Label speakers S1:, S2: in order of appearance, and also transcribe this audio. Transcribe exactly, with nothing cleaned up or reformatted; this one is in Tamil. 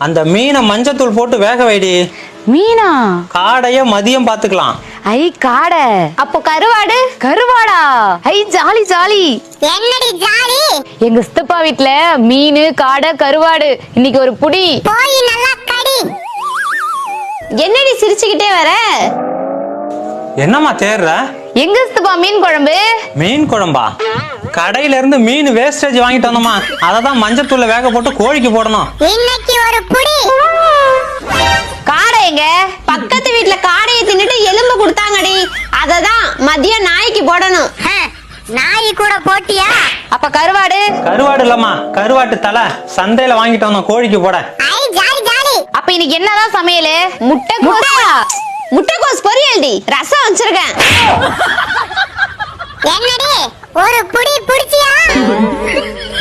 S1: அந்த மீனை மஞ்சத்தூள் போட்டு வேக வைடி.
S2: மீனா?
S1: காடைய மதியம் பாத்துக்கலாம்.
S2: ஐ காடை.
S3: அப்போ கருவாடு?
S2: கருவாடா? ஐ ஜாலி ஜாலி.
S3: என்னடி ஜாலி?
S2: எங்க சித்தப்பா வீட்ல மீன் காடை கருவாடு. இன்னைக்கு ஒரு புடி.
S3: போய் நல்லா கடி. என்னடி சிரிச்சுக்கிட்டே வர?
S1: என்னம்மா தேர்ற?
S2: எங்க சித்தப்பா மீன் குழம்பு.
S1: மீன் குழம்பா? கடையில இருந்து மீன் வேஸ்டேஜ் வாங்கிட்டு வந்தோமா, அததான் மஞ்சத்தூள்ல வேக போட்டு கோழிக்கு போடணும்.
S3: இன்னைக்கு ஒரு புடி.
S2: காடை எங்க?
S3: பக்கத்து வீட்ல காடையை தின்னுட்டு எலும்பு கொடுத்தாங்கடி, அததான் மதியம் நாய்க்கு போடணும். நாய் கூட போட்டியா?
S2: அப்ப கருவாடு?
S1: கருவாடு இல்லம்மா, கருவாட்டு தலை சந்தையில வாங்கிட்டு வந்தோம் கோழிக்கு போட.
S3: ஐ ஜாலி ஜாலி.
S2: அப்ப இன்னைக்கு என்னதான் சமையல்? முட்டை
S3: முட்டைக்கோஸ் பொரியல்டி, ரசம் வச்சிருக்கேன். என்னடி ஒரு புடி புடிச்சியா?